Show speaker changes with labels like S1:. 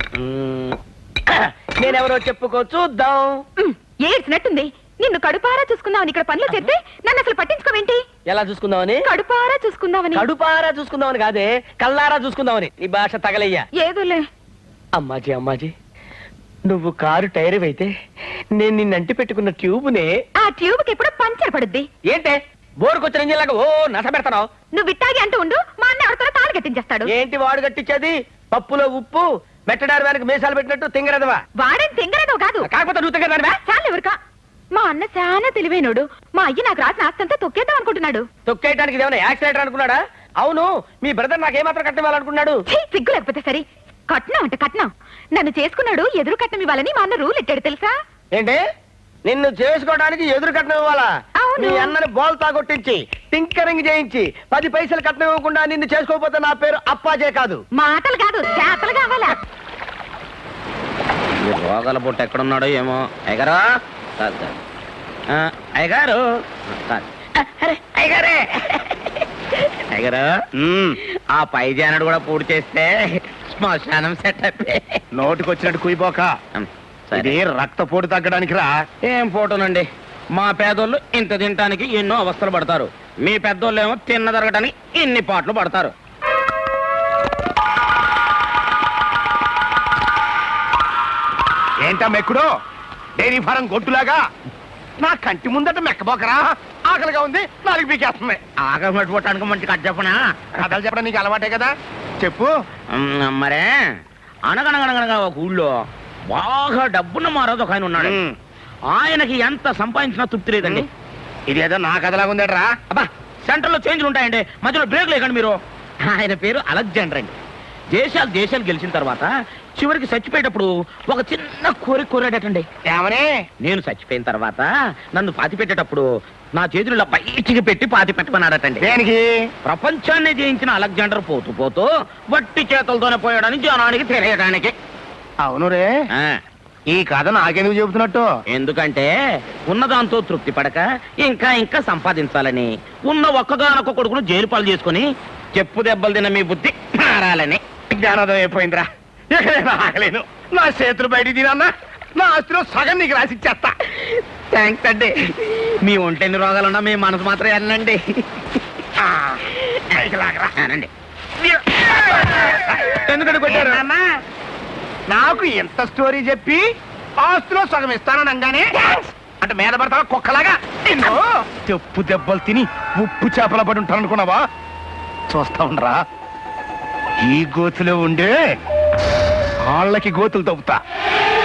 S1: నేనెవరో చెప్పుకో చూద్దాం.
S2: ఏడ్చినట్టుంది. నిన్ను కడుపారా చూసుకుందామని ఇక్కడ పనులు చేస్తే నన్ను అసలు పట్టించుకోవేంటి?
S1: ఎలా చూసుకుందామని?
S2: కడుపారా చూసుకుందామని.
S1: కడుపారా చూసుకుందామని కాదే, కల్లారా చూసుకుందామని. ఈ భాష తగలయ్యా.
S2: ఏదోలే.
S1: అమ్మాజీ అమ్మాజీ, నువ్వు కారు టైర్ అయితే నేను నిన్నంటి పెట్టుకున్న ట్యూబ్నే.
S2: ఆ ట్యూబ్ కి ఎప్పుడు పంచర్ పడుద్ది.
S1: ఏంటే బోరుకొచ్చిన ఇంజిన్లాగా ఓ నస పెడతావు?
S2: నువ్వు ఇట్టాగి అంటూ ఉండు, మా అన్న ఎవరితో తాళి కట్టించేస్తాడు.
S1: ఏంటి వాడు కట్టించేది? పప్పులో ఉప్పు మెట్టడారి వెనక మీసాలు పెట్టినట్టు తింగరదవా?
S2: వాడేం తింగరదో కాదు.
S1: కాకపోతే నువ్వు తింగరదానివా?
S2: చాలు ఎవరికా. మా అన్న చాలా తెలివైనోడు. మా అయ్య నాకు రాసిన ఆస్తంతా తొక్కేద్దాం అనుకుంటున్నాడు.
S1: తొక్కేయడానికి ఏమైనా యాక్సిడెంట్ అనుకున్నాడా? అవును, మీ బ్రదర్ నాకేమాత్రం కట్టివ్వాలనుకున్నాడు?
S2: సిగ్గు లేకపోతే సరే. కట్నం అంటే కట్నం. నన్ను చేసుకున్నాడు ఎదురు కట్నం ఇవ్వాలని మా అన్న రూల్ ఎట్టాడు తెలుసా?
S1: ఏంటి, నిన్ను చేసుకోవడానికి ఎదురు కట్నం ఇవ్వాలా? మీ అన్నని బోల్తా కొట్టించి టింకరింగ్ చేయించి 10 పైసలు కట్నం ఇవ్వకుండా నిన్ను చేసుకోకపోతే నా పేరు అప్పాజే కాదు.
S2: మాటలు కాదు, చేతలు కావాలా?
S3: రోగాల పుట్ట ఎక్కడున్నాడో ఏమో. అయ్యగారు అయ్యగారు అయ్యగారే అయ్యగారు, ఆ పై జానడు కూడా పూర్తి చేస్తే శ్మశానం సెటప్.
S4: నోటికొచ్చినట్టు కుయిపోక. ఇది రక్తపోటు తగ్గడానికి రా.
S3: ఏం ఫోటోనండి, మా పేదోళ్ళు ఇంత తినటానికి ఎన్నో అవస్థలు పడతారు, మీ పెద్దోళ్ళు ఏమో తిన్న జరగటానికి ఇన్ని పాటలు పడతారు.
S4: ఏంటా మెక్కుడు? డైరీ ఫారం గొట్టులాగా నా కంటి ముందట మెక్కబోకరా. ఆకలిగా ఉంది, నాలుగు పీకేస్తుంది.
S3: ఆకలి పట్టుకోవటానికి మంచి కథ చెప్పనా?
S4: కథలు చెప్పడం నీకు అలవాటే కదా, చెప్పు.
S3: మరే అనగనగనగనగా ఒక ఊళ్ళో బాగా డబ్బున్న మారోజు ఒక ఆయన ఉన్నాడు. ఆయనకి ఎంత సంపాదించినా తృప్తి లేదండి.
S4: ఇదేదో నా కథలాగా ఉందట్రా.
S3: అబ్బా, సెంటర్ లో చేంజ్లు ఉంటాయండి, మధ్యలో బ్రేక్ లేకండి మీరు. ఆయన పేరు అలెగ్జాండర్ అండి. దేశాలు గెలిచిన తర్వాత చివరికి చచ్చిపోయేటప్పుడు ఒక చిన్న కోరాడటండి.
S4: ఏమని?
S3: నేను చచ్చిపోయిన తర్వాత నన్ను పాతి పెట్టేటప్పుడు నా చేతులు బయటికి పెట్టి పాతి పెట్టమన్నాడటండి.
S4: దేనికి?
S3: ప్రపంచాన్ని జయించిన అలెగ్జాండర్ పోతూ పోతూ వట్టి చేతులతోనే పోయాడని జనానికి తెలియడానికి.
S4: అవును రే, ఈ కథ నాకెందుకు చెబుతున్నట్టు?
S3: ఎందుకంటే ఉన్నదాంతో తృప్తి పడక ఇంకా ఇంకా సంపాదించాలని, ఉన్న ఒక్కగానొక్క కొడుకును జైలు పాలు చేసుకుని చెప్పు దెబ్బలు తిన్న మీ బుద్ధి మారాలని.
S4: జ్ఞానోదయం అయిపోయిందిరా. ఆగలేను. నా చేతులు బయటికి తినన్నా నా ఆస్తిలో సగం నీకు రాసిచ్చేస్తా.
S3: థ్యాంక్స్ అండి. మీ ఒంటెన్ని రోగాలున్నా మీ మనసు మాత్రం అనండి. అనండి.
S4: ఎందుకంటే కొట్టారు? నాకు ఎంత స్టోరీ చెప్పి ఆస్తిలో సగం ఇస్తాననగానే అంటే మీద పడతావా కుక్కలాగా? నిన్ను చెప్పు దెబ్బలు తిని ఉప్పు చేపల పడి ఉంటాను అనుకున్నావా? చూస్తా ఉండరా, ఈ గోతులో ఉండే వాళ్ళకి గోతులు తవ్వుతా.